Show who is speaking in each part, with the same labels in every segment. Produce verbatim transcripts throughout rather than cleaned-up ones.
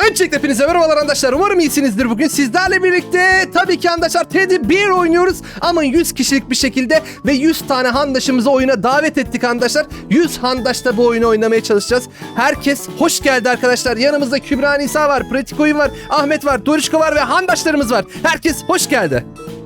Speaker 1: Öncelikle hepinize merhabalar arkadaşlar. Umarım iyisinizdir bugün. Sizlerle birlikte tabii ki arkadaşlar Teddy bir oynuyoruz. Ama yüz kişilik bir şekilde ve yüz tane handaşımızı oyuna davet ettik arkadaşlar. yüz handaşta bu oyunu oynamaya çalışacağız. Herkes hoş geldi arkadaşlar. Yanımızda Kübra Nisa var, Pratik Oyun var, Ahmet var, Dorişko var ve handaşlarımız var. Herkes hoş geldi.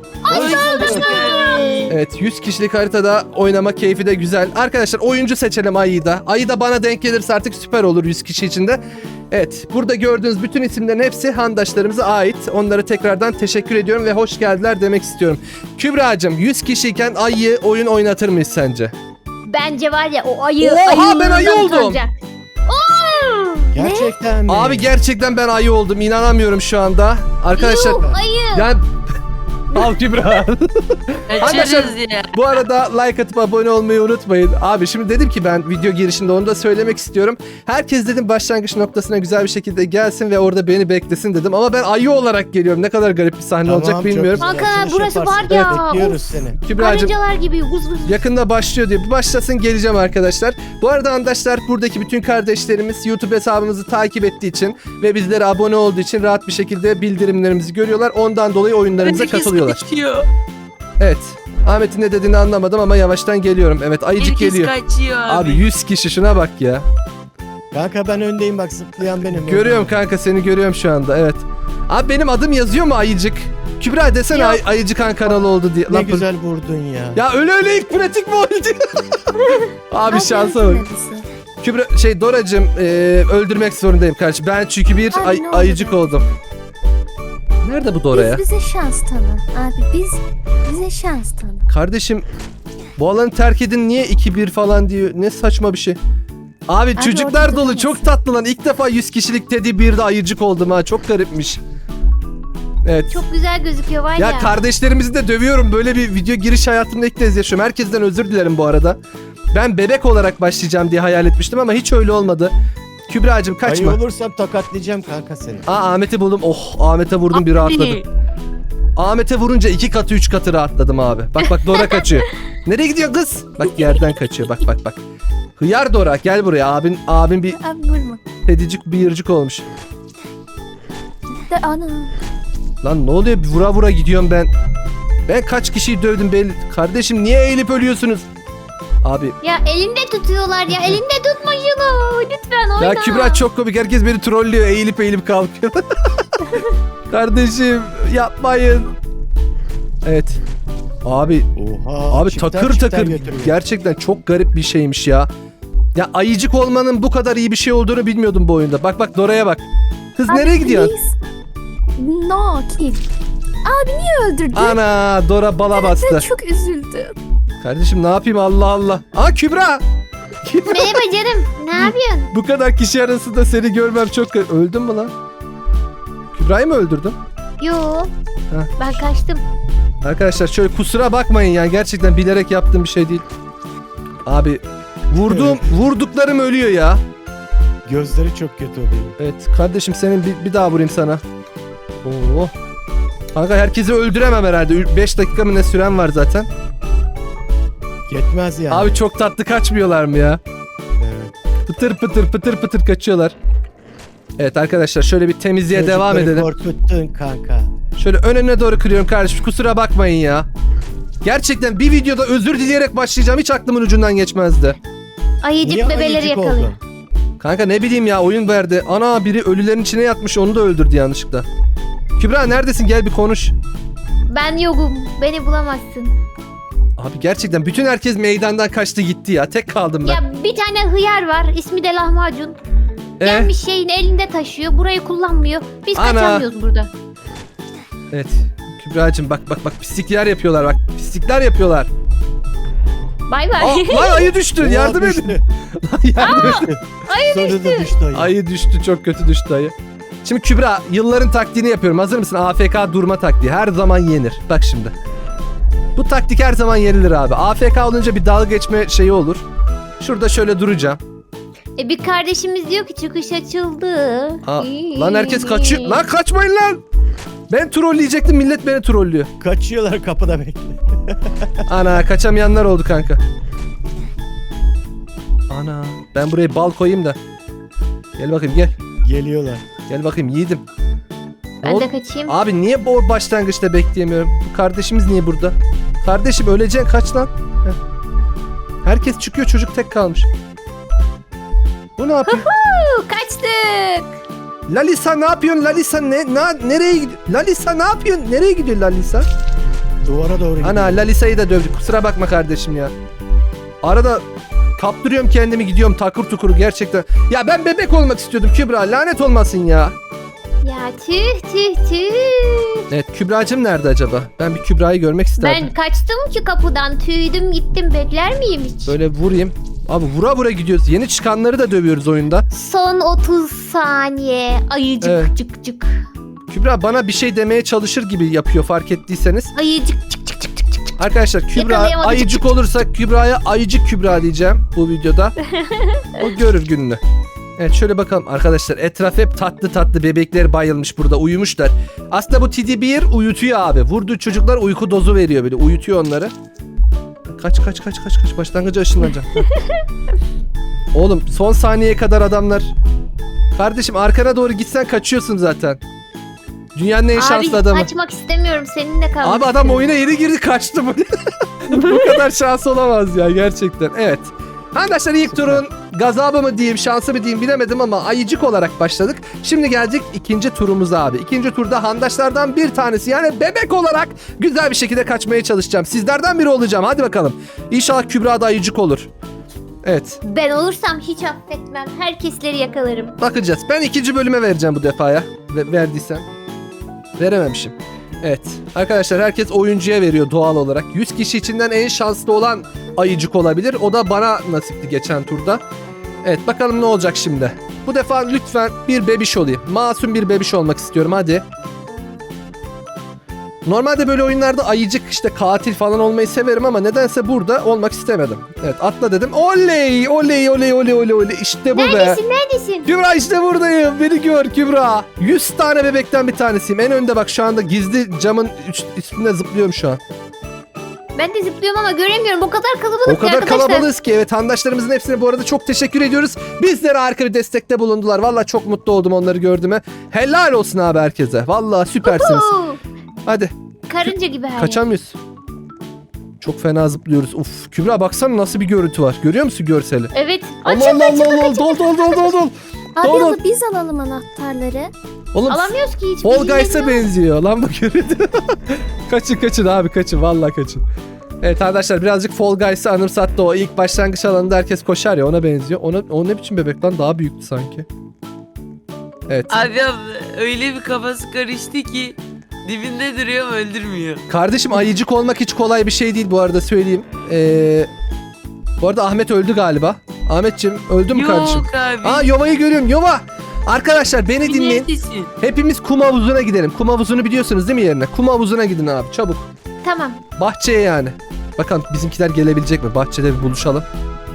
Speaker 1: Evet, yüz kişilik haritada oynama keyfi de güzel. Arkadaşlar oyuncu seçelim Ayı'yı da. Ayı da bana denk gelirse artık süper olur yüz kişi içinde. Evet, burada gördüğünüz bütün isimlerin hepsi handaşlarımıza ait. Onlara tekrardan teşekkür ediyorum ve hoş geldiler demek istiyorum. Kübra'cığım, yüz kişiyken Ayı'yı oyun oynatır mıyız sence?
Speaker 2: Bence var ya o ayı...
Speaker 1: Oha, ben ayı oldum.
Speaker 2: Utanacak. Oo!
Speaker 3: Gerçekten mi?
Speaker 1: Abi gerçekten ben Ayı oldum. İnanamıyorum şu anda. Arkadaşlar...
Speaker 2: Yuh, ayı.
Speaker 1: Yani... Al Kübra. Arkadaşlar
Speaker 4: ya.
Speaker 1: bu arada like atıp abone olmayı unutmayın. Abi şimdi dedim ki ben video girişinde onu da söylemek istiyorum. Herkes dedim başlangıç noktasına güzel bir şekilde gelsin ve orada beni beklesin dedim. Ama ben Ayı olarak geliyorum. Ne kadar garip bir sahne
Speaker 3: Tamam,
Speaker 1: olacak
Speaker 3: çok
Speaker 1: bilmiyorum.
Speaker 3: güzel.
Speaker 2: Kanka,
Speaker 3: Açılış
Speaker 2: burası
Speaker 3: yaparsın.
Speaker 2: var ya.
Speaker 3: Evet, bekliyoruz
Speaker 2: Of.
Speaker 3: seni.
Speaker 1: Kübra'cığım
Speaker 2: Karıncalar gibi vız vız.
Speaker 1: yakında başlıyor diye. Bir başlasın geleceğim arkadaşlar. Bu arada arkadaşlar buradaki bütün kardeşlerimiz YouTube hesabımızı takip ettiği için ve bizlere abone olduğu için rahat bir şekilde bildirimlerimizi görüyorlar. Ondan dolayı oyunlarımıza katılıyorlar.
Speaker 4: Kaçıyor.
Speaker 1: Evet. Ahmet'in ne dediğini anlamadım ama yavaştan geliyorum. Evet, Ayıcık
Speaker 4: Herkes
Speaker 1: geliyor.
Speaker 4: kaçıyor abi.
Speaker 1: Abi yüz kişi şuna bak ya.
Speaker 3: Kanka ben öndeyim bak, zıplayan benim.
Speaker 1: Görüyorum kanka, seni görüyorum şu anda, evet. Abi benim adım yazıyor mu Ayıcık? Kübra desene
Speaker 2: Yok.
Speaker 1: Ay Ayıcık Han kanalı oldu diye.
Speaker 3: Ne
Speaker 1: Lan,
Speaker 3: güzel vurdun ya.
Speaker 1: ya öyle öyle ilk pratik mi oldu? Abi şansa bak. Kübra şey Doracığım e, öldürmek zorundayım kardeşim. Ben çünkü bir
Speaker 5: Abi,
Speaker 1: ay-
Speaker 5: ne oldu
Speaker 1: ayıcık
Speaker 5: be?
Speaker 1: oldum. Nerede bu Dora ya?
Speaker 5: Biz bize şans tanı. Abi biz bize şans tanı.
Speaker 1: Kardeşim bu alanı terk edin, niye iki bir falan diyor. Ne saçma bir şey. Abi,
Speaker 5: Abi
Speaker 1: çocuklar
Speaker 5: orada
Speaker 1: dolu,
Speaker 5: duramazsın.
Speaker 1: çok tatlı lan. İlk defa yüz kişilik Teddy birde ayıcık oldum ha. Çok garipmiş. Evet.
Speaker 2: Çok güzel gözüküyor var ya.
Speaker 1: Ya kardeşlerimizi de dövüyorum. Böyle bir video giriş hayatımda ilk kez yaşıyorum. Herkesten özür dilerim bu arada. Ben bebek olarak başlayacağım diye hayal etmiştim ama hiç öyle olmadı. Kübra'cığım kaçma.
Speaker 3: Ayı olursam tokatlayacağım kanka seni.
Speaker 1: Aa, Ahmet'i buldum. Oh, Ahmet'e vurdum, bir rahatladım. Ahmet'e vurunca iki katı üç katı rahatladım abi. Bak bak Dora kaçıyor. Nereye gidiyor kız? Bak yerden kaçıyor, bak bak bak. Hıyar Dora gel buraya, abin abin bir
Speaker 5: Abi vurma.
Speaker 1: pedicik bir yırcık olmuş.
Speaker 5: De ana.
Speaker 1: Lan ne oluyor, vura vura gidiyorum ben. Ben kaç kişiyi dövdüm belli. Kardeşim niye eğilip ölüyorsunuz? Abi
Speaker 2: Ya elinde tutuyorlar ya. Elinde tutma şunu. Lütfen oyna.
Speaker 1: ya Kübra çok komik, herkes beni trollüyor, eğilip eğilip kalkıyor. Kardeşim yapmayın. Evet. Abi
Speaker 3: Oha.
Speaker 1: Abi
Speaker 3: çifter
Speaker 1: takır
Speaker 3: çifter
Speaker 1: takır
Speaker 3: götürüyor.
Speaker 1: gerçekten çok garip bir şeymiş ya. Ya ayıcık olmanın bu kadar iyi bir şey olduğunu bilmiyordum bu oyunda. Bak bak Dora'ya bak. Kız
Speaker 5: Abi,
Speaker 1: nereye gidiyor?
Speaker 5: please. No kill. Abi niye öldürdün?
Speaker 1: Ana, Dora bala
Speaker 5: Ben
Speaker 1: bastı.
Speaker 5: çok üzüldüm.
Speaker 1: Kardeşim ne yapayım, Allah Allah. Aa, Kübra. Kübra.
Speaker 2: Merhaba canım. Ne yapıyorsun?
Speaker 1: Bu kadar kişi arasında seni görmem çok garip. Öldün mü lan? Kübra'yı mı öldürdün?
Speaker 2: Yo.
Speaker 1: Ha.
Speaker 2: Ben kaçtım.
Speaker 1: Arkadaşlar şöyle kusura bakmayın yani, gerçekten bilerek yaptığım bir şey değil. Abi vurduğum vurduklarım ölüyor ya.
Speaker 3: Gözleri çok kötü oluyor.
Speaker 1: Evet kardeşim, senin bir, bir daha vurayım sana. Oo. Kanka herkesi öldüremem herhalde. beş dakika mı ne süren var zaten.
Speaker 3: Yetmez yani.
Speaker 1: Abi çok tatlı kaçmıyorlar mı ya?
Speaker 3: Evet.
Speaker 1: Pıtır pıtır pıtır pıtır kaçıyorlar. Evet arkadaşlar şöyle bir temizliğe devam
Speaker 3: Çocukları
Speaker 1: edelim.
Speaker 3: korkuttun kanka.
Speaker 1: Şöyle önüne doğru kırıyorum kardeşim, kusura bakmayın ya. Gerçekten bir videoda özür dileyerek başlayacağım, hiç aklımın ucundan geçmezdi.
Speaker 2: Ayıcık
Speaker 3: Niye
Speaker 2: bebeleri
Speaker 3: ayıcık
Speaker 2: yakalıyor.
Speaker 3: oldun?
Speaker 1: Kanka ne bileyim ya, oyun verdi. Ana, biri ölülerin içine yatmış, onu da öldürdü yanlışlıkla. Kübra neredesin, gel bir konuş.
Speaker 2: Ben yokum. Beni bulamazsın.
Speaker 1: Abi gerçekten bütün herkes meydandan kaçtı gitti ya, tek kaldım ben.
Speaker 2: Ya bir tane hıyar var. İsmi de lahmacun.
Speaker 1: Ee?
Speaker 2: Gelmiş şeyin elinde taşıyor. Burayı kullanmıyor. Biz
Speaker 1: Ana.
Speaker 2: kaçamıyoruz burada.
Speaker 1: Evet Kübra'cığım bak bak bak, pislikler yapıyorlar, bak pislikler yapıyorlar.
Speaker 2: Bay bay.
Speaker 1: Aa, lan ayı düştü,
Speaker 3: Oha,
Speaker 1: yardım
Speaker 3: düştü.
Speaker 1: edin. Lan yardım edin.
Speaker 3: Sonunda düştü ayı.
Speaker 1: Ayı düştü, çok kötü düştü ayı. Şimdi Kübra, yılların taktiğini yapıyorum, hazır mısın? A F K durma taktiği, her zaman yenir. Bak şimdi. Bu taktik her zaman yenilir abi. A F K olunca bir dalga geçme şeyi olur. Şurada şöyle duracağım.
Speaker 2: E bir kardeşimiz diyor ki çıkış açıldı.
Speaker 1: Aa, lan herkes kaçıyor. Lan kaçmayın lan. Ben trolleyecektim, millet beni trollüyor.
Speaker 3: Kaçıyorlar, kapıda bekle.
Speaker 1: Ana, kaçamayanlar oldu kanka. Ana, ben buraya bal koyayım da. Gel bakayım gel.
Speaker 3: Geliyorlar.
Speaker 1: Gel bakayım yiğidim. Ne
Speaker 2: Ben
Speaker 1: oldu?
Speaker 2: de kaçayım.
Speaker 1: Abi niye bu başlangıçta bekleyemiyorum? Bu kardeşimiz niye burada? Kardeşim öleceksin kaç lan? Heh. Herkes çıkıyor çocuk tek kalmış. Bu ne yapıyor?
Speaker 2: Huu, kaçtık.
Speaker 1: Lalisa ne yapıyorsun? Lalisa ne, na, nereye gidiyor? Lalisa ne yapıyorsun? Nereye gidiyor Lalisa?
Speaker 3: Duvara doğru gidiyor.
Speaker 1: Ana Lalisa'yı da dövdük. Kusura bakma kardeşim ya. Arada kaptırıyorum kendimi gidiyorum takır tukur gerçekten. Ya ben bebek olmak istiyordum Kübra. Lanet olmasın ya.
Speaker 2: Ya tüh tüh tüh.
Speaker 1: Evet Kübra'cığım nerede acaba? Ben bir Kübra'yı görmek isterdim.
Speaker 2: Ben kaçtım ki kapıdan, tüydüm gittim, bekler miyim hiç?
Speaker 1: Böyle vurayım. Abi vura vura gidiyoruz. Yeni çıkanları da dövüyoruz oyunda.
Speaker 2: Son otuz saniye. Ayıcık
Speaker 1: Evet.
Speaker 2: cık cık.
Speaker 1: Kübra bana bir şey demeye çalışır gibi yapıyor fark ettiyseniz.
Speaker 2: Ayıcık cık cık cık cık cık.
Speaker 1: Arkadaşlar Kübra
Speaker 2: Yakalayamadım.
Speaker 1: ayıcık olursa Kübra'ya ayıcık Kübra diyeceğim bu videoda. O görür gününü. Evet şöyle bakalım arkadaşlar etraf hep tatlı tatlı bebekler bayılmış burada uyumuşlar. Aslında bu T D bir uyutuyor abi. Vurduğu çocuklar uyku dozu veriyor böyle uyutuyor onları. Kaç kaç kaç kaç kaç başlangıca ışınlanacağım. Oğlum son saniyeye kadar adamlar. Kardeşim arkana doğru gitsen kaçıyorsun zaten. Dünyanın en şanslı
Speaker 2: Abi
Speaker 1: adamı.
Speaker 2: kaçmak istemiyorum, seninle kalmak
Speaker 1: Abi adam
Speaker 2: istiyorum.
Speaker 1: oyuna yeni girdi kaçtı bu. Bu kadar şans olamaz ya gerçekten. Evet. Arkadaşlar ilk turun gazabı mı diyeyim şansı mı diyeyim bilemedim ama ayıcık olarak başladık. Şimdi geldik ikinci turumuza abi. İkinci turda handaşlardan bir tanesi yani bebek olarak güzel bir şekilde kaçmaya çalışacağım. Sizlerden biri olacağım hadi bakalım. İnşallah Kübra da ayıcık olur. Evet
Speaker 2: Ben olursam hiç affetmem. Herkesleri yakalarım.
Speaker 1: bakacağız. Ben ikinci bölüme vereceğim bu defaya. Ve verdiysem. Verememişim. Evet. Arkadaşlar herkes oyuncuya veriyor doğal olarak. yüz kişi içinden en şanslı olan ayıcık olabilir. O da bana nasipti geçen turda. Evet bakalım ne olacak şimdi. Bu defa lütfen bir bebiş olayım. Masum bir bebiş olmak istiyorum hadi. Normalde böyle oyunlarda ayıcık işte katil falan olmayı severim ama nedense burada olmak istemedim. Evet atla dedim. Oley oley oley oley oley oley işte bu be.
Speaker 2: Neredesin neredesin?
Speaker 1: Kübra işte buradayım. Beni gör Kübra. yüz tane bebekten bir tanesiyim. En önde bak şu anda gizli camın üst- üstünde zıplıyorum şu an.
Speaker 2: Ben de zıplıyorum ama göremiyorum. O kadar kalabalık
Speaker 1: O
Speaker 2: ki
Speaker 1: kadar
Speaker 2: arkadaşlar.
Speaker 1: kalabalığız ki evet handaşlarımızın hepsine bu arada çok teşekkür ediyoruz. Bizlere harika bir destekte bulundular. Vallahi çok mutlu oldum onları gördüğüme. Helal olsun abi herkese. Vallahi süpersiniz.
Speaker 2: Huu,
Speaker 1: Hadi
Speaker 2: Karınca gibi her yer.
Speaker 1: kaçamıyoruz. Çok fena zıplıyoruz. Uf Kübra baksana nasıl bir görüntü var. Görüyor musun görseli?
Speaker 2: Evet.
Speaker 1: Allah
Speaker 2: Açıldı
Speaker 1: Allah
Speaker 2: açıldı.
Speaker 1: Allah Allah. Dol dol dol dol dol.
Speaker 5: Abi
Speaker 1: Doğru.
Speaker 5: ama biz alalım anahtarları.
Speaker 1: Oğlum
Speaker 2: Alamıyoruz ki hiç.
Speaker 1: Fall
Speaker 2: bilgileri
Speaker 1: Guys'a
Speaker 2: yok.
Speaker 1: benziyor lan bu görüntü. Kaçın kaçın abi kaçın vallahi kaçın. Evet arkadaşlar birazcık Fall Guys'ı anımsattı o ilk başlangıç alanında herkes koşar ya ona benziyor. Ona, o ne biçim bebek lan daha büyüktü sanki. Evet.
Speaker 4: Abi abla öyle bir kafası karıştı ki dibinde duruyor ama öldürmüyor.
Speaker 1: Kardeşim ayıcık olmak hiç kolay bir şey değil bu arada söyleyeyim. Ee, bu arada Ahmet öldü galiba. Ahmetciğim öldü mü kardeşim?
Speaker 4: Yok abi.
Speaker 1: Aa Yova'yı görüyorum Yova. Arkadaşlar beni dinleyin.
Speaker 4: Neredesin?
Speaker 1: Hepimiz kum havuzuna gidelim. Kum havuzunu biliyorsunuz değil mi yerine? Kum havuzuna gidin abi çabuk.
Speaker 2: Tamam.
Speaker 1: Bahçeye yani. Bakalım bizimkiler gelebilecek mi? Bahçede bir buluşalım.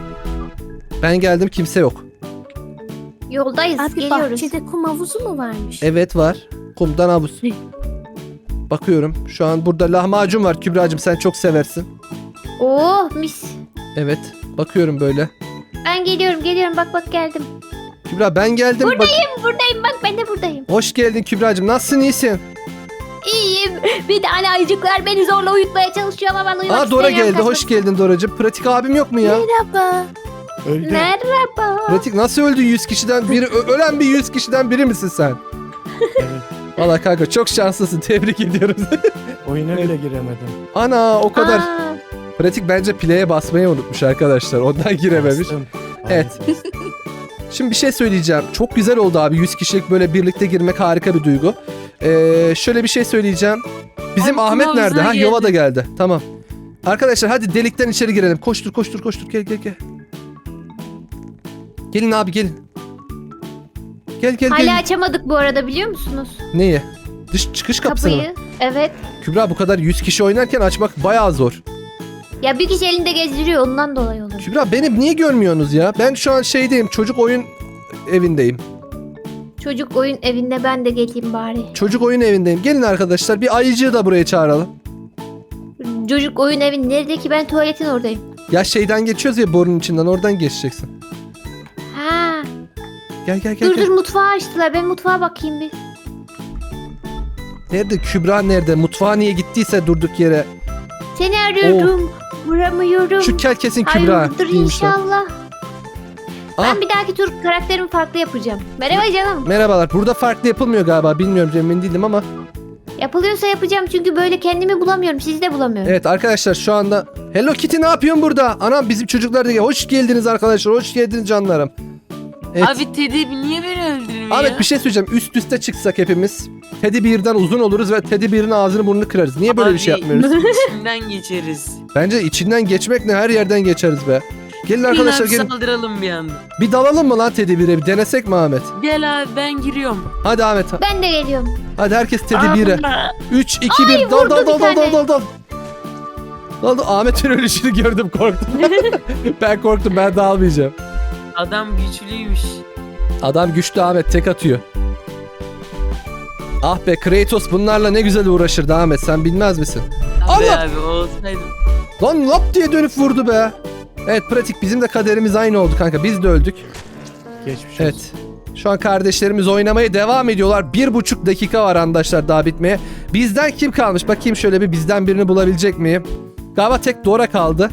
Speaker 1: Ben geldim kimse yok.
Speaker 2: Yoldayız.
Speaker 5: Abi
Speaker 2: geliyoruz.
Speaker 5: bahçede kum havuzu mu varmış?
Speaker 1: Evet var. Kumdan havuz. Bakıyorum. Şu an burada lahmacun var Kübra'cığım sen çok seversin.
Speaker 2: Oh mis.
Speaker 1: Evet. Bakıyorum böyle.
Speaker 2: Ben geliyorum geliyorum bak bak geldim.
Speaker 1: Kübra ben geldim. Bak-
Speaker 2: Buradayım bak ben de buradayım.
Speaker 1: Hoş geldin Kübra'cığım. Nasılsın iyisin?
Speaker 2: İyiyim. Bir tane ayıcıklar beni zorla uyutmaya çalışıyor ama ben uyumak
Speaker 1: Aa Dora
Speaker 2: istemiyorum.
Speaker 1: geldi. Hoş geldin Doracığım. Pratik abim yok mu ya?
Speaker 5: Merhaba.
Speaker 3: Öldü.
Speaker 2: Merhaba.
Speaker 1: Pratik nasıl öldü yüz kişiden biri? Ö- ölen bir yüz kişiden biri misin sen?
Speaker 3: Evet.
Speaker 1: Valla kanka çok şanslısın. Tebrik ediyoruz.
Speaker 3: Oyuna bile giremedim.
Speaker 1: Ana o kadar.
Speaker 2: Aa,
Speaker 1: Pratik bence play'e basmayı unutmuş arkadaşlar. Ondan girememiş.
Speaker 3: Bastım.
Speaker 1: Evet.
Speaker 3: Ay,
Speaker 1: Şimdi bir şey söyleyeceğim. Çok güzel oldu abi. yüz kişilik böyle birlikte girmek harika bir duygu. Ee, şöyle bir şey söyleyeceğim. Bizim
Speaker 4: Ay,
Speaker 1: Ahmet
Speaker 4: Kum
Speaker 1: nerede? Ha
Speaker 4: havuzuna
Speaker 1: Yova da
Speaker 4: geldi.
Speaker 1: geldi. Tamam. Arkadaşlar hadi delikten içeri girelim. Koştur koştur koştur. Gel gel gel. Gelin abi gelin. Gel gel
Speaker 2: hala
Speaker 1: gel.
Speaker 2: açamadık bu arada biliyor musunuz?
Speaker 1: Neyi? Dış çıkış kapısını mı?
Speaker 2: Kapıyı. Evet.
Speaker 1: Kübra bu kadar yüz kişi oynarken açmak bayağı zor.
Speaker 2: Ya bir kişi elinde gezdiriyor ondan dolayı olur.
Speaker 1: Kübra beni niye görmüyorsunuz ya? Ben şu an şeydeyim. Çocuk oyun evindeyim.
Speaker 2: Çocuk oyun evinde ben de geleyim bari.
Speaker 1: Çocuk oyun evindeyim. Gelin arkadaşlar bir ayıcığı da buraya çağıralım.
Speaker 2: Çocuk oyun evi nerede ki ben tuvaletin oradayım.
Speaker 1: Ya şeyden geçiyoruz ya borunun içinden oradan geçeceksin.
Speaker 2: Ha.
Speaker 1: Gel gel gel.
Speaker 2: Dur
Speaker 1: gel.
Speaker 2: dur mutfağı açtılar. Ben mutfağa bakayım bir.
Speaker 1: Nerede Kübra nerede? Mutfağa niye gittiyse durduk yere.
Speaker 2: Seni arıyorum. Vuramıyorum.
Speaker 1: Şu kel kesin Kübra.
Speaker 2: Hayırdır
Speaker 1: değilmiş lan.
Speaker 2: inşallah.
Speaker 1: Aa,
Speaker 2: Ben bir dahaki tur karakterimi farklı yapacağım. Merhaba canım.
Speaker 1: merhabalar. Burada farklı yapılmıyor galiba. Bilmiyorum, emin değilim ama.
Speaker 2: Yapılıyorsa yapacağım çünkü böyle kendimi bulamıyorum. Sizi de bulamıyorum.
Speaker 1: Evet arkadaşlar şu anda Hello Kitty ne yapıyorsun burada? Anam bizim çocuklar da hoş geldiniz arkadaşlar. Hoş geldiniz canlarım. Evet.
Speaker 4: Abi Teddy niye beni öldürmüyor?
Speaker 1: Ahmet bir şey söyleyeceğim. Üst üste çıksak hepimiz Teddy Bear'dan uzun oluruz ve Teddy Bear'ın ağzını burnunu kırarız. Niye böyle bir şey
Speaker 4: Abi,
Speaker 1: yapmıyoruz?
Speaker 4: içinden geçeriz.
Speaker 1: Bence içinden geçmek ne, her yerden geçeriz be. Gelin arkadaşlar
Speaker 4: Arkadaşlar
Speaker 1: gelin.
Speaker 4: saldıralım bir anda.
Speaker 1: Bir dalalım mı lan Teddy Bear'e? Bir denesek mi Ahmet?
Speaker 4: Gel abi ben giriyorum.
Speaker 1: Hadi Ahmet.
Speaker 2: Ben de geliyorum.
Speaker 1: Hadi herkes Teddy Bear'e. üç, iki,
Speaker 2: Ay,
Speaker 1: bir. Dal
Speaker 2: vurdu
Speaker 1: dal dal
Speaker 2: bir
Speaker 1: dal dal
Speaker 2: tane.
Speaker 1: dal dal. Dal dal. Ahmet'in ölüşünü gördüm, korktum. Ben korktum, ben dağılmayacağım.
Speaker 4: Adam güçlüymüş.
Speaker 1: Adam güçlü Ahmet, tek atıyor. Ah be Kratos bunlarla ne güzel uğraşırdı Ahmet, sen bilmez misin?
Speaker 4: Abi
Speaker 1: Allah!
Speaker 4: abi olsaydı.
Speaker 1: Lan lap diye dönüp vurdu be. Evet pratik, bizim de kaderimiz aynı oldu kanka, biz de öldük.
Speaker 3: Geçmiş olsun.
Speaker 1: Evet. Şu an kardeşlerimiz oynamaya devam ediyorlar. Bir buçuk dakika var arkadaşlar daha bitmeye. Bizden kim kalmış? Bakayım şöyle bir, bizden birini bulabilecek miyim? Galiba tek Dora kaldı.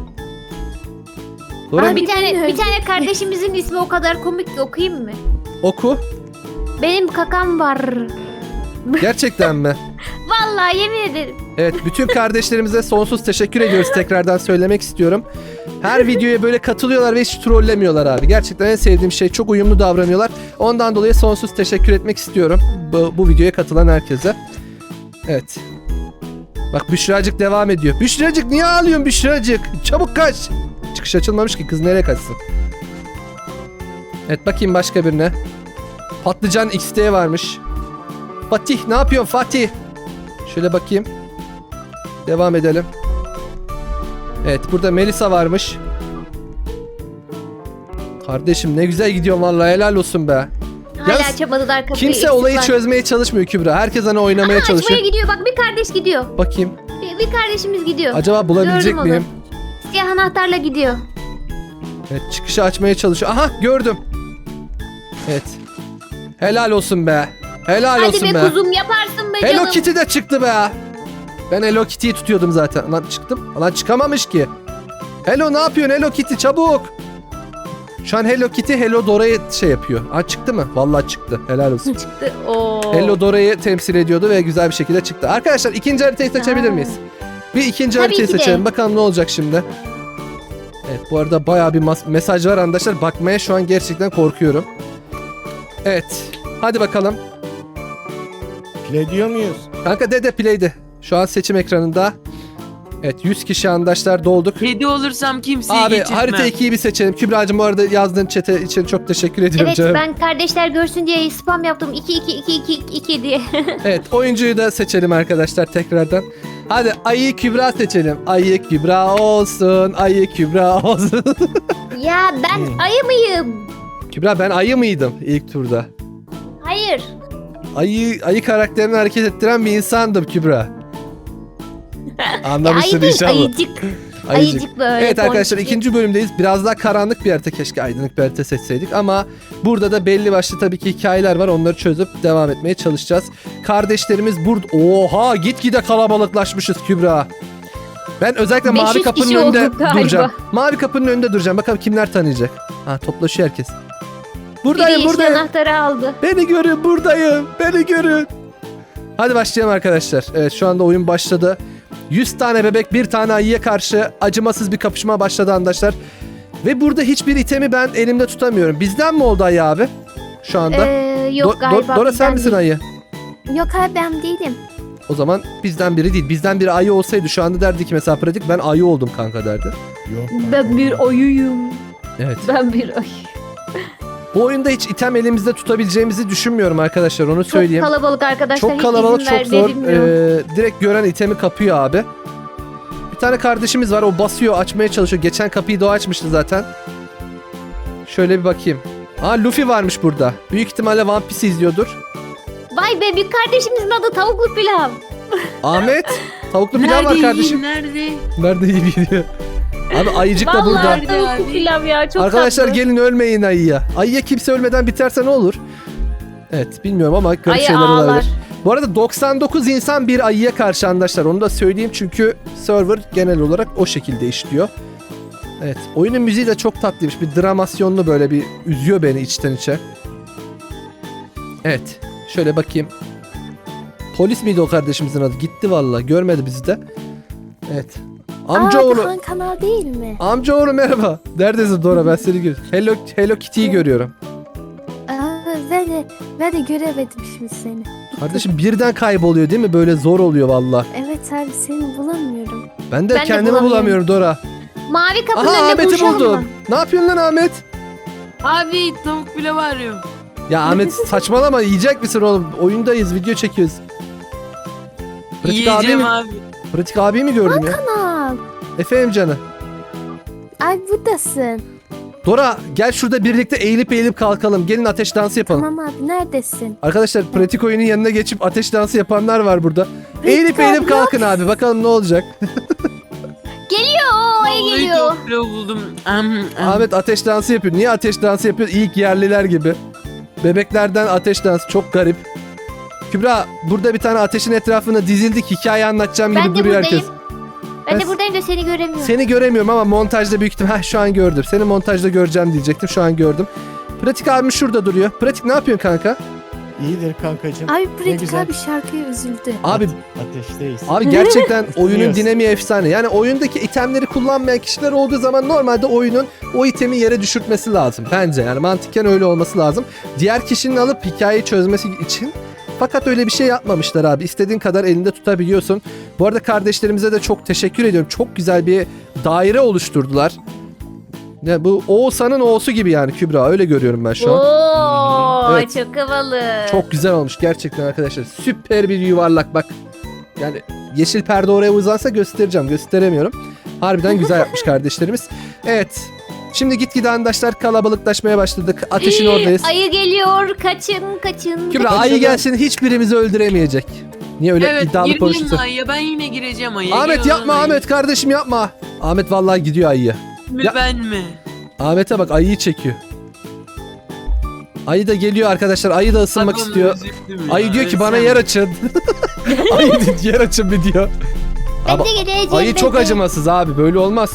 Speaker 1: Dora
Speaker 2: Aa,
Speaker 1: mı?
Speaker 2: bir tane bir tane kardeşimizin ismi o kadar komik ki okuyayım mı?
Speaker 1: Oku.
Speaker 2: Benim kakam var.
Speaker 1: Gerçekten mi?
Speaker 2: Vallahi yemin ederim.
Speaker 1: Evet, bütün kardeşlerimize sonsuz teşekkür ediyoruz, tekrardan söylemek istiyorum. Her videoya böyle katılıyorlar ve hiç trollemiyorlar abi. Gerçekten en sevdiğim şey, çok uyumlu davranıyorlar. Ondan dolayı sonsuz teşekkür etmek istiyorum bu, bu videoya katılan herkese. Evet. Bak Büşracık devam ediyor. Büşracık niye ağlıyorsun Büşracık? Çabuk kaç. Çıkış açılmamış ki, kız nereye kaçsın? Evet bakayım başka birine. Patlıcan X D varmış. Fatih ne yapıyorsun Fatih? Şöyle bakayım. Devam edelim. Evet burada Melisa varmış. Kardeşim ne güzel gidiyorsun vallahi, helal olsun be.
Speaker 2: Hala
Speaker 1: Yalnız
Speaker 2: açamadılar kapıyı.
Speaker 1: Kimse
Speaker 2: eksik
Speaker 1: olayı
Speaker 2: var.
Speaker 1: çözmeye çalışmıyor Kübra. Herkes hani oynamaya
Speaker 2: Aha,
Speaker 1: çalışıyor.
Speaker 2: açmaya gidiyor. Bak bir kardeş gidiyor.
Speaker 1: Bakayım.
Speaker 2: Bir, bir kardeşimiz gidiyor.
Speaker 1: Acaba bulabilecek
Speaker 2: Gördüm onu.
Speaker 1: miyim?
Speaker 2: Siyah anahtarla gidiyor.
Speaker 1: Evet çıkışı açmaya çalışıyor. Aha gördüm. Evet. Helal olsun be. Helal
Speaker 2: Hadi
Speaker 1: olsun
Speaker 2: be,
Speaker 1: be.
Speaker 2: kuzum yaparsın be
Speaker 1: Hello
Speaker 2: canım.
Speaker 1: Kitty de çıktı be. Ben Hello Kitty'yi tutuyordum zaten. Lan çıktım. Lan çıkamamış ki. Hello ne yapıyorsun Hello Kitty, çabuk. Şu an Hello Kitty Hello Dora'yı şey yapıyor. Ha çıktı mı? Vallahi çıktı. Helal olsun.
Speaker 2: Çıktı. Oo.
Speaker 1: Hello Dora'yı temsil ediyordu ve güzel bir şekilde çıktı. Arkadaşlar ikinci haritayı seçebilir
Speaker 2: Aa.
Speaker 1: miyiz? Bir ikinci
Speaker 2: Tabii
Speaker 1: haritayı
Speaker 2: ki de.
Speaker 1: seçelim. Bakalım ne olacak şimdi. Evet bu arada bayağı bir mas- mesaj var arkadaşlar. Bakmaya şu an gerçekten korkuyorum. Evet. Hadi bakalım.
Speaker 3: Play diyor muyuz?
Speaker 1: Kanka dede play'di. Şu an seçim ekranında. Evet yüz kişi arkadaşlar dolduk.
Speaker 4: Kedi olursam kimseyi
Speaker 1: Abi
Speaker 4: geçirtmem.
Speaker 1: harita ikiyi bir seçelim. Kübra'cığım bu arada yazdığın chat'e için çok teşekkür ediyorum
Speaker 2: Evet
Speaker 1: canım.
Speaker 2: ben kardeşler görsün diye spam yaptım. iki iki iki iki iki diye.
Speaker 1: Evet oyuncuyu da seçelim arkadaşlar tekrardan. Hadi Ayı Kübra seçelim. Ayı Kübra olsun. Ayı Kübra olsun.
Speaker 2: Ya ben
Speaker 1: Hmm.
Speaker 2: ayı mıyım?
Speaker 1: Kübra ben ayı mıydım ilk turda?
Speaker 2: Hayır.
Speaker 1: Ayı, ayı karakterini hareket ettiren bir insandım Kübra.
Speaker 2: Ya
Speaker 1: Anlamışsın
Speaker 2: ayı değil,
Speaker 1: inşallah.
Speaker 2: ayıcık. Ayıcık böyle.
Speaker 1: Evet arkadaşlar
Speaker 2: boncuk.
Speaker 1: ikinci bölümdeyiz. Biraz daha karanlık bir harita, keşke aydınlık bir harita seçseydik ama burada da belli başlı tabii ki hikayeler var. Onları çözüp devam etmeye çalışacağız. Kardeşlerimiz burada. Oha gitgide kalabalıklaşmışız Kübra. Ben özellikle
Speaker 2: beş yüz
Speaker 1: mavi kapının
Speaker 2: kişi
Speaker 1: önünde
Speaker 2: olduk galiba.
Speaker 1: duracağım. Mavi kapının önünde duracağım. Bakalım kimler tanıyacak. Ha toplaşıyor herkes.
Speaker 2: Biri
Speaker 1: Buradayım
Speaker 2: yeşil
Speaker 1: buradayım.
Speaker 2: anahtarı aldı.
Speaker 1: Beni görün buradayım. Beni görün. Hadi başlayalım arkadaşlar. Evet şu anda oyun başladı. yüz tane bebek bir tane ayıya karşı acımasız bir kapışma başladı arkadaşlar. Ve burada hiçbir itemi ben elimde tutamıyorum. Bizden mi oldu ayı abi? Şu anda.
Speaker 2: Ee, yok
Speaker 1: Do- Do-
Speaker 2: galiba.
Speaker 1: Dora sen
Speaker 2: bizden
Speaker 1: misin
Speaker 2: değil.
Speaker 1: ayı?
Speaker 5: Yok abi ben değilim.
Speaker 1: O zaman bizden biri değil. Bizden biri ayı olsaydı şu anda derdi ki mesela pratik ben ayı oldum kanka derdi.
Speaker 3: Yok.
Speaker 2: Ben bir ayıyım.
Speaker 1: Evet.
Speaker 2: Ben bir ayı.
Speaker 1: Bu oyunda hiç item elimizde tutabileceğimizi düşünmüyorum arkadaşlar, onu
Speaker 2: Çok
Speaker 1: söyleyeyim.
Speaker 2: kalabalık arkadaşlar.
Speaker 1: Çok
Speaker 2: hiç
Speaker 1: kalabalık,
Speaker 2: izin
Speaker 1: çok
Speaker 2: ver-
Speaker 1: zor.
Speaker 2: verilmiyor.
Speaker 1: Ee, direkt gören itemi kapıyor abi. Bir tane kardeşimiz var, o basıyor, açmaya çalışıyor. Geçen kapıyı da o açmıştı zaten. Şöyle bir bakayım. Aa Luffy varmış burada. Büyük ihtimalle One Piece izliyordur.
Speaker 2: Vay be, bir kardeşimizin adı tavuklu pilav.
Speaker 1: Ahmet, tavuklu pilav var
Speaker 4: Nerede
Speaker 1: kardeşim.
Speaker 4: yiyeyim, nerede?
Speaker 1: Nerede iyi gidiyor? Abi ayıcık da burada.
Speaker 2: Vallahi
Speaker 4: burada.
Speaker 2: tavuk pilav ya çok
Speaker 1: Arkadaşlar
Speaker 2: tatlı.
Speaker 1: gelin ölmeyin ayıya. Ayıya kimse ölmeden biterse ne olur? Evet bilmiyorum ama garip
Speaker 2: Ayı
Speaker 1: şeyler
Speaker 2: ağlar.
Speaker 1: olabilir. Bu arada doksan dokuz insan bir ayıya karşı arkadaşlar. Onu da söyleyeyim çünkü server genel olarak o şekilde işliyor. Evet oyunun müziği de çok tatlıymış. Bir dramasyonlu böyle bir üzüyor beni içten içe. Evet şöyle bakayım. Polis miydi o kardeşimizin adı? Gitti valla görmedi bizi de. Evet. Amcaoğlu.
Speaker 5: Aa, Han kanal değil mi?
Speaker 1: Amcaoğlu merhaba. Neredesin Dora ben seni görüyorum. Hello, Hello Kitty'yi görüyorum.
Speaker 5: Aa, ben de, ben de göremedim şimdi seni.
Speaker 1: Kardeşim birden kayboluyor değil mi? Böyle zor oluyor valla.
Speaker 5: Evet abi seni bulamıyorum.
Speaker 1: Ben de
Speaker 2: Ben de
Speaker 1: kendimi
Speaker 2: bulamıyorum.
Speaker 1: bulamıyorum Dora.
Speaker 2: Mavi kapının
Speaker 1: Aha
Speaker 2: önünde
Speaker 1: Ahmet'i
Speaker 2: buluşalım
Speaker 1: buldum.
Speaker 2: mı?
Speaker 1: Ne yapıyorsun lan Ahmet?
Speaker 4: Abi tavuk pilavı arıyorum.
Speaker 1: Ya Ahmet saçmalama yiyecek misin oğlum? Oyundayız video çekiyoruz. Pratik abi
Speaker 4: Yiyeceğim
Speaker 1: mi?
Speaker 4: abi.
Speaker 1: Pratik abi mi gördüm ya?
Speaker 5: Kanal.
Speaker 1: Efendim canı.
Speaker 5: Ay buradasın.
Speaker 1: Dora gel şurada birlikte eğilip eğilip kalkalım. Gelin ateş dansı yapalım.
Speaker 5: Tamam abi neredesin?
Speaker 1: Arkadaşlar pratik oyunun yanına geçip ateş dansı yapanlar var burada.
Speaker 5: Pratik
Speaker 1: Eğilip
Speaker 5: abi,
Speaker 1: eğilip
Speaker 5: yok.
Speaker 1: kalkın abi. Bakalım ne olacak.
Speaker 2: Geliyor o ayı
Speaker 4: Vallahi
Speaker 2: geliyor.
Speaker 4: tavuk pilavı buldum. Am, am.
Speaker 1: Ahmet ateş dansı yapıyor. Niye ateş dansı yapıyor? İlk yerliler gibi. Bebeklerden ateş dansı. Çok garip. Kübra burada bir tane ateşin etrafına dizildik. Hikaye anlatacağım gibi
Speaker 2: Ben de
Speaker 1: duruyor
Speaker 2: buradayım.
Speaker 1: herkes.
Speaker 2: Ben
Speaker 1: Ben-
Speaker 2: de buradayım da seni göremiyorum.
Speaker 1: Seni göremiyorum ama montajda büyük ihtimal. Heh, şu an gördüm. Seni montajda göreceğim diyecektim. Şu an gördüm. Pratik abim şurada duruyor. Pratik ne yapıyorsun kanka?
Speaker 3: İyidir kankacığım.
Speaker 5: Abi
Speaker 3: Ne
Speaker 5: Pratik
Speaker 3: güzel.
Speaker 5: abi şarkıya üzüldü.
Speaker 1: Abi
Speaker 3: Ateşteyiz.
Speaker 1: Abi gerçekten oyunun
Speaker 3: Biliyoruz.
Speaker 1: dinamiği efsane. Yani oyundaki itemleri kullanmayan kişiler olduğu zaman normalde oyunun o itemi yere düşürtmesi lazım. Bence yani mantıken öyle olması lazım. Diğer kişinin alıp hikayeyi çözmesi için. Fakat öyle bir şey yapmamışlar abi. İstediğin kadar elinde tutabiliyorsun. Bu arada kardeşlerimize de çok teşekkür ediyorum. Çok güzel bir daire oluşturdular. Ya bu Oğuzhan'ın O'su gibi yani Kübra. Öyle görüyorum ben şu an.
Speaker 2: Oo,
Speaker 1: Evet.
Speaker 2: çok havalı.
Speaker 1: Çok güzel olmuş gerçekten arkadaşlar. Süper bir yuvarlak bak. Yani yeşil perde oraya uzansa göstereceğim. Gösteremiyorum. Harbiden güzel yapmış kardeşlerimiz. Evet. Şimdi gitgide arkadaşlar kalabalıklaşmaya başladık. Ateşin oradayız.
Speaker 2: Ayı geliyor. Kaçın kaçın.
Speaker 1: Kübra
Speaker 3: Kaçın.
Speaker 1: ayı gelsin hiçbirimizi öldüremeyecek. Niye öyle
Speaker 4: Evet
Speaker 1: iddialı
Speaker 4: girmeyeyim
Speaker 1: konuşuyorsun?
Speaker 4: mi ayıya? Ben yine gireceğim ayıya.
Speaker 1: Ahmet
Speaker 4: Gel
Speaker 1: yapma
Speaker 4: lan ayı.
Speaker 1: Ahmet kardeşim yapma. Ahmet vallahi gidiyor ayıya.
Speaker 4: Mi
Speaker 1: Ya-
Speaker 4: ben mi?
Speaker 1: Ahmet'e bak ayıyı çekiyor. Ayı da geliyor arkadaşlar. Ayı da ısınmak
Speaker 4: Bak onu
Speaker 1: istiyor.
Speaker 4: üzüldüm ya.
Speaker 1: Ayı diyor ki bana
Speaker 4: Ölsem.
Speaker 1: yer açın. Ayı diyor, yer açın bir diyor.
Speaker 2: Ben
Speaker 1: Ama
Speaker 2: de geleceğim.
Speaker 1: ayı çok
Speaker 2: ben de.
Speaker 1: acımasız abi. Böyle olmaz.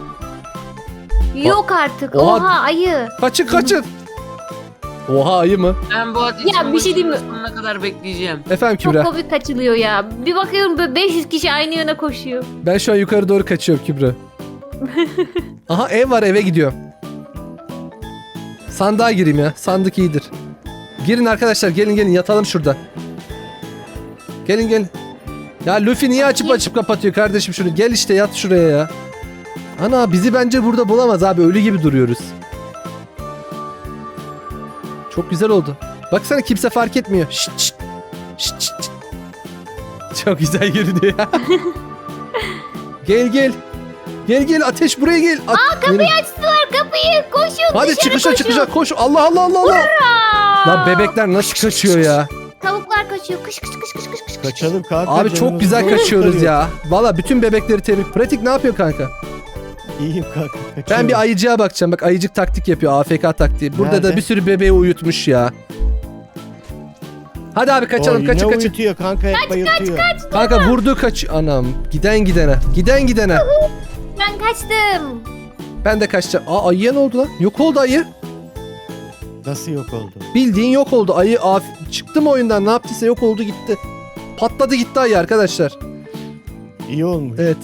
Speaker 2: Yok artık.
Speaker 1: Oha.
Speaker 2: Oha, ayı.
Speaker 1: Kaçın kaçın. Oha ayı mı?
Speaker 4: Ben bu ateşin
Speaker 2: Ya, bir şey diyeyim mi?
Speaker 4: sonuna kadar bekleyeceğim.
Speaker 1: Efendim
Speaker 2: Çok
Speaker 1: Kübra.
Speaker 2: komik kaçılıyor ya. Bir bakıyorum böyle beş yüz kişi aynı yöne koşuyor.
Speaker 1: Ben şu an yukarı doğru kaçıyorum Kübra. Aha ev var eve gidiyorum. Sandığa gireyim ya. Sandık iyidir. Girin arkadaşlar gelin gelin yatalım şurada. Gelin gelin. Ya Luffy niye açıp
Speaker 2: Bakayım.
Speaker 1: açıp kapatıyor kardeşim şunu. Gel işte yat şuraya ya. Ana bizi bence burada bulamaz abi. Ölü gibi duruyoruz. Çok güzel oldu. Baksana kimse fark etmiyor. Şşt şşt. Şşt şşt. Çok güzel görünüyor ya. Gel gel. Gel gel ateş buraya gel. At-
Speaker 2: Aa, kapıyı
Speaker 1: Gelin.
Speaker 2: açtılar kapıyı. Koşun
Speaker 1: Hadi
Speaker 2: dışarı
Speaker 1: çıkışa
Speaker 2: koşun.
Speaker 1: çıkışa koş. Allah Allah Allah Allah.
Speaker 2: Aa!
Speaker 1: Lan bebekler nasıl kaçıyor ya?
Speaker 2: Tavuklar kaçıyor. Kış kış kış kış kış kış.
Speaker 3: Kaçalım kanka.
Speaker 1: Abi çok
Speaker 3: canımızı
Speaker 1: güzel
Speaker 3: zor
Speaker 1: kaçıyoruz
Speaker 3: kurtarıyor.
Speaker 1: ya. Valla bütün bebekleri tebrik. Pratik ne yapıyor kanka?
Speaker 3: İyiyim kanka.
Speaker 1: Ben
Speaker 3: Kaçıyorum.
Speaker 1: bir ayıcıya bakacağım. Bak ayıcık taktik yapıyor. A F K taktiği. Burada da
Speaker 3: Nerede?
Speaker 1: bir sürü bebeği uyutmuş ya. Hadi abi kaçalım.
Speaker 3: Oy,
Speaker 1: Kaçın
Speaker 3: ne
Speaker 1: kaçın.
Speaker 3: uyutuyor kanka hep bayıltıyor.
Speaker 1: Kanka vurdu kaç. Anam. Giden gidene. Giden gidene.
Speaker 2: Ben kaçtım.
Speaker 1: Ben de kaçacağım. Aa ayıya ne oldu lan? Yok oldu ayı.
Speaker 3: Nasıl yok oldu?
Speaker 1: Bildiğin yok oldu. Ayı af- çıktı mı oyundan? Ne yaptıysa yok oldu gitti. Patladı gitti ayı arkadaşlar.
Speaker 3: İyi olmuş.
Speaker 1: Evet.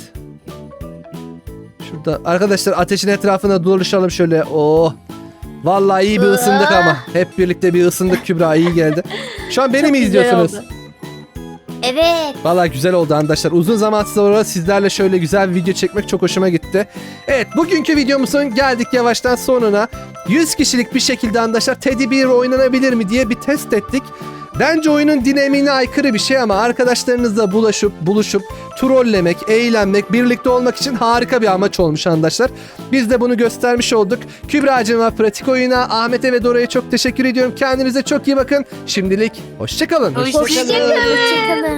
Speaker 1: Şurada arkadaşlar ateşin etrafına dolaşalım şöyle. Oh. Vallahi iyi bir ısındık ama. Hep birlikte bir ısındık Kübra iyi geldi. Şu an beni
Speaker 2: Çok
Speaker 1: mi
Speaker 2: güzel
Speaker 1: izliyorsunuz?
Speaker 2: oldu. Evet.
Speaker 1: Vallahi güzel oldu arkadaşlar. Uzun zaman sonra sizlerle şöyle güzel bir video çekmek çok hoşuma gitti. Evet bugünkü videomuzun geldik yavaştan sonuna. yüz kişilik bir şekilde arkadaşlar Teddy Bear oynanabilir mi diye bir test ettik. Bence oyunun dinamiğine aykırı bir şey ama arkadaşlarınızla bulaşıp buluşup trollemek, eğlenmek, birlikte olmak için harika bir amaç olmuş arkadaşlar. Biz de bunu göstermiş olduk. Kübra'cığıma, Pratik Oyun'a, Ahmet'e ve Dora'ya çok teşekkür ediyorum. Kendinize çok iyi bakın. Şimdilik hoşçakalın.
Speaker 4: Hoşçakalın.
Speaker 2: Hoşçakalın.
Speaker 5: Hoşçakalın.